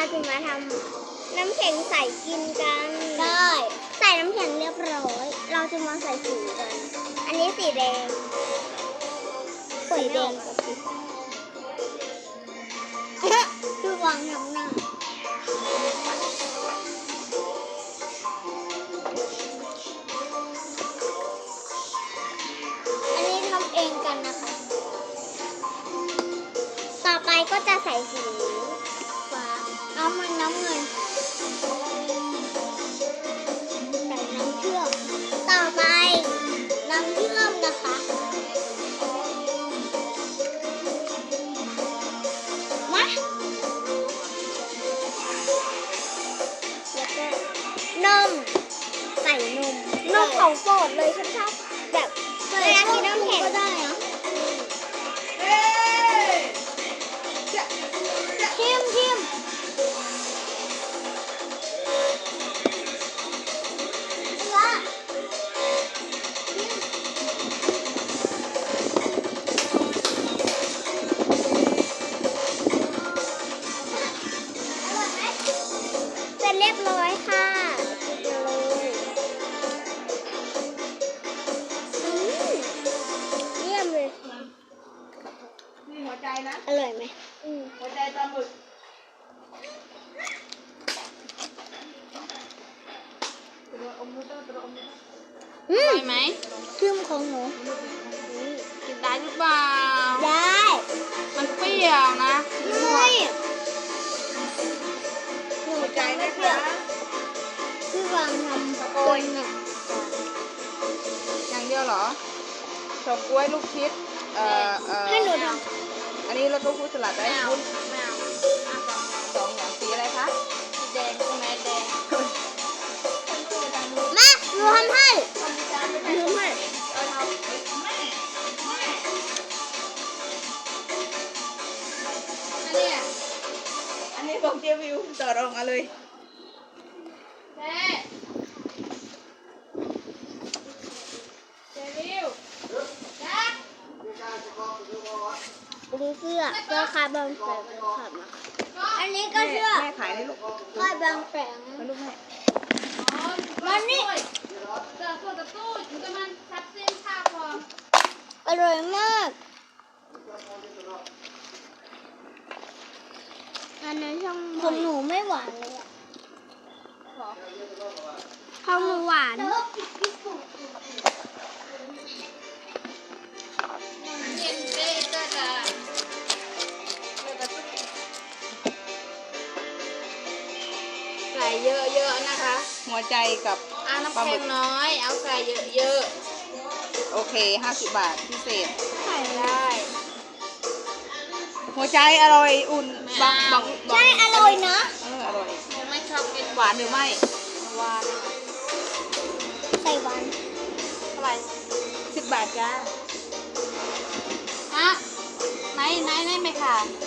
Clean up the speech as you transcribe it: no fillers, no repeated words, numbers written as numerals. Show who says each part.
Speaker 1: จะมาทำน้ำแข็งใส่กินกันได้ใส่น้ำแข็งเรียบร้อยเราจะมาใส่สีกันอันนี้สีแดงสีแดงกับสีคือวางน้ำหน้าอันนี้ทำเองกันนะคะต่อไปก็จะใส่สีฟ้าน้ำเงินใส่น้ำเชื่อมต่อไปน้ำเชื่อมนะคะมาแล้วก็นมใส่นมของโปรดเลยฉันชอบแบบเวลากินน้ำแข็งก็ได้นะชิมเสร็จเรียบร้อยค่ะเยี่ยมเลย
Speaker 2: นี่หัวใจนะ
Speaker 1: อร่อยไหม
Speaker 2: หัวใจปลาหมึกตัวอมมือตัวอมมือได้ไหม
Speaker 1: ครึ่งของหนู
Speaker 2: กินได้หรือเปล่า
Speaker 1: ได้
Speaker 2: มันเปรี้ยวนะ
Speaker 1: ไม่หนู
Speaker 2: หัวใจ
Speaker 1: จะไม่
Speaker 2: นะ
Speaker 1: เปรี้ย
Speaker 2: คะ
Speaker 1: วพี่วางทำ
Speaker 2: โกย
Speaker 1: น่ะ
Speaker 2: อย่างเดียวเหรอเฉาก๊วยลูกชิด
Speaker 1: ให้หนูท
Speaker 2: อันนี้เราต้องพูดสลัดได้คุณ
Speaker 1: ไม่เอา
Speaker 2: สองอย่างสีอะไรคะสีแดงใช่ไหมแดง
Speaker 1: มาหนูทำให้หนูทำให้
Speaker 2: อันนี้ของเจวิวต่อรองเอาเลยเจวิว
Speaker 1: ดูเสื้อคาบางแสงขับมาอันนี้ก็เสื้อ
Speaker 2: แม่ขายเลยลูก
Speaker 1: คาบางแสง
Speaker 2: มาลูกแม่
Speaker 1: มันนี่
Speaker 3: เจอตัวกับตู้อยู่กับมันซับเส้นผ้าพอ
Speaker 1: อร่อยมากอันนั้นช่องของหนูไม่หวานเลยอะของหนูหวาน
Speaker 3: เย็นเต้ก็จะ
Speaker 2: ใส่เยอะๆนะคะ หัวใจกับ
Speaker 3: เอาน้ำแข็งน้อย เอาใส่เยอะ
Speaker 2: โอเค50 บาทพิเศษ
Speaker 3: ๆใส่ได้
Speaker 2: หัวใจอร่อยอุ่นบัง
Speaker 1: ใช่อร่อยนะ
Speaker 2: อร่อย
Speaker 3: ยังไม่ชอบกิน
Speaker 2: หวานหรือไม่
Speaker 3: หวาน
Speaker 1: ใส่หวาน
Speaker 3: เท่าไหร่
Speaker 2: 10 บาทจ้า
Speaker 3: ฮะไหนไหมค่ะ